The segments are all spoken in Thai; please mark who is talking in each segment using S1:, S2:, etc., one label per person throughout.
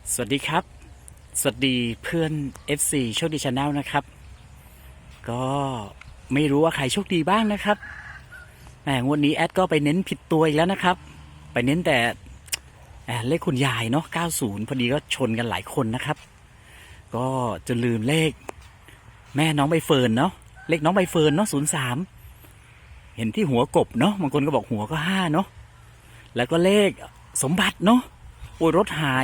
S1: สวัสดีครับสวัสดีเพื่อน FC โชคดีชาแนลนะครับก็ไม่รู้ว่าใครโชคดีบ้างนะครับงวดนี้แอดก็ไปเน้นผิดตัวอีกแล้วนะครับไปเน้นแต่เลขคุณยายเนาะ90พอดีก็ชนกันหลายคนนะครับก็จนลืมเลขแม่น้องใบเฟิร์นเนาะเลขน้องใบเฟิร์นเนาะ03เห็นที่หัวกบเนาะบางคนก็บอกหัวก็5เนาะแล้วก็เลขสมบัติเนาะโอ้ยรถหาย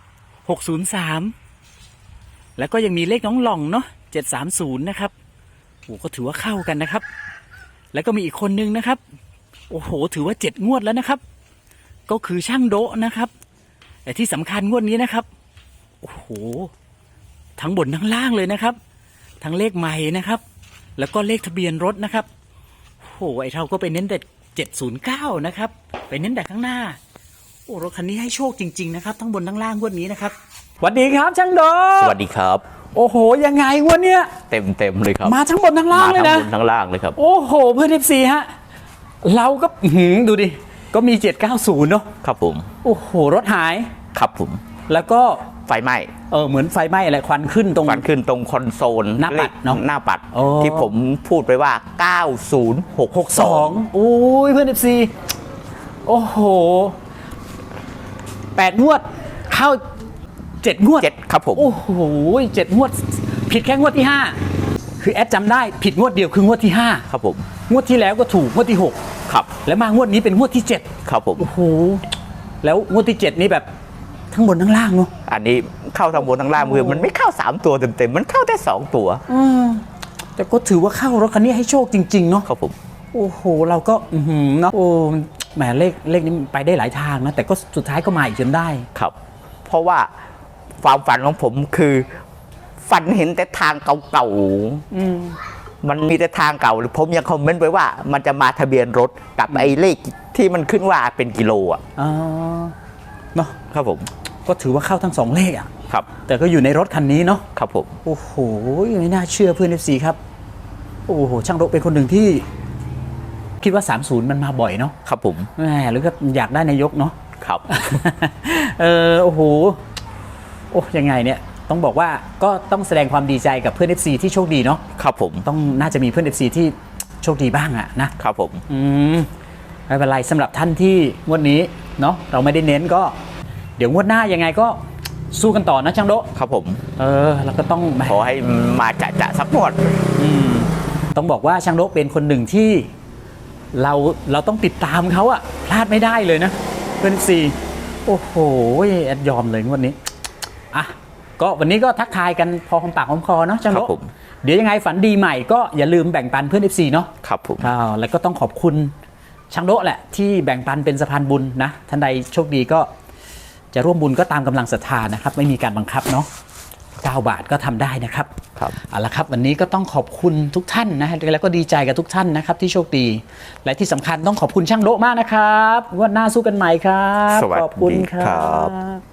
S1: 603แล้วก็ยังมีเลขน้องหล่องเนาะ730นะครับโอ้ก็ถือว่าเข้ากันนะครับแล้วก็มีอีกคนนึงนะครับโอ้โหถือว่า7งวดแล้วนะครับก็คือช่างโดะนะครับแต่ที่สำคัญงวดนี้นะครับโอ้โหทั้งบนทั้งล่างเลยนะครับทั้งเลขใหม่นะครับแล้วก็เลขทะเบียนรถนะครับโอ้โหไอ้เราก็ไปเน้นแต่709นะครับไปเน้นแต่ข้างหน้าโอ้รถคันนี้ให้โชคจริงๆนะครับทั้งบนทั้งล่างงวดนี้นะครับสวัสดีครับช่างโด
S2: สวัสดีครับ
S1: โอ้โหยังไงงวดเนี้ย
S2: เต็มเลยครับ
S1: มาทั้งบนทั้งล่างเลยนะ
S2: มาทั้งบนทั้งล่างเลยครับ
S1: โอ้โหเพื่อนFCฮะเราก็ดูดิก็มี790เนาะ
S2: ครับผม
S1: โอ้โหรถหาย
S2: ครับผม
S1: แล้วก็
S2: ไฟไหม้
S1: เหมือนไฟไหม้อะไรควันขึ้นตรง
S2: คอนโซล
S1: หน้าปัดเนาะ
S2: หน้าปัดที่ผมพูดไปว่า
S1: 9062โอ้ยเพื่อน FC โอ้โห8งวดเข้า7งวด
S2: 7ครับผม
S1: โอ้โห7งวดผิดแค่งวดที่5คือแอดจำได้ผิดงวดเดียวคืองวดที่5
S2: ครับผม
S1: งวดที่แล้วก็ถูกงวดที่6
S2: ครับ
S1: แล้วมางวดนี้เป็นงวดที่7
S2: ครับผม
S1: โอ้โหแล้วงวดที่7นี่แบบทั้งบนทั้งล่างเนาะ
S2: อันนี้เข้าทั้งบนทั้งล่างมือมันไม่เข้า3ตัวเต็มมันเข้าได้2ตัว
S1: แต่ก็ถือว่าเข้ารถคันนี้ให้โชคจริงๆเนาะ
S2: ครับผม
S1: โอ้โหเราก็เนาะโอ้แหมเลขนี้ไปได้หลายทางนะแต่ก็สุดท้ายก็มาอีกจนได้
S2: ครับเพราะว่าความฝันของผมคือฝันเห็นแต่ทางเก่าๆมันมีแต่ทางเก่าผมยังคอมเมนต์ไว้ว่ามันจะมาทะเบียนรถกับไอ้เลขที่มันขึ้นว่าเป็นกิโลอ่ะ
S1: เนาะ
S2: ครับผม
S1: ก็ถือว่าเข้าทั้ง2เลขอ่ะ
S2: ครับ
S1: แต่ก็อยู่ในรถคันนี้เนาะ
S2: ครับผม
S1: โอ้โหไม่น่าเชื่อเพื่อน FC ครับโอ้โหช่างรถเป็นคนหนึ่งที่คิดว่า30มันมาบ่อยเนาะ
S2: ครับผม
S1: แหมหรือก็อยากได้นายกเนาะ
S2: ครับ
S1: โอ้โหโอ้ยังไงเนี่ยต้องบอกว่าก็ต้องแสดงความดีใจกับเพื่อน FC ที่โชคดีเนาะ
S2: ครับผม
S1: ต้องน่าจะมีเพื่อน FC ที่โชคดีบ้างอะนะครับ
S2: ผม
S1: ไม่เป็นไรสำหรับท่านที่งวดนี้เนาะเราไม่ได้เน้นก็เดี๋ยวงวดหน้ายังไงก็สู้กันต่อนะช่างโด
S2: ครับผม
S1: แล้วก็ต้อง
S2: ขอให้มาจะสักงวด
S1: ต้องบอกว่าช่างโดเป็นคนหนึ่งที่เราต้องติดตามเขาอะพลาดไม่ได้เลยนะเพื่อน FC โอ้โหแอดยอมเลยงวดนี้ก็วันนี้ก็ทักทายกันพอหอมปากหอมคอเนาะช่างโดเดี๋ยวยังไงฝันดีใหม่ก็อย่าลืมแบ่งปันเพื่อน FC เนาะ
S2: ครับผม
S1: แล้วก็ต้องขอบคุณช่างโดแหละที่แบ่งปันเป็นสะพานบุญนะท่านใดโชคดีก็จะร่วมบุญก็ตามกำลังศรัทธานะครับไม่มีการบังคับเนาะ9 บาทก็ทำได้นะครับเอาละครับวันนี้ก็ต้องขอบคุณทุกท่านนะแล้วก็ดีใจกับทุกท่านนะครับที่โชคดีและที่สำคัญต้องขอบคุณช่างโดมากนะครับงวดหน้าสู้กันใหม่ครับ
S2: ขอบคุณครับ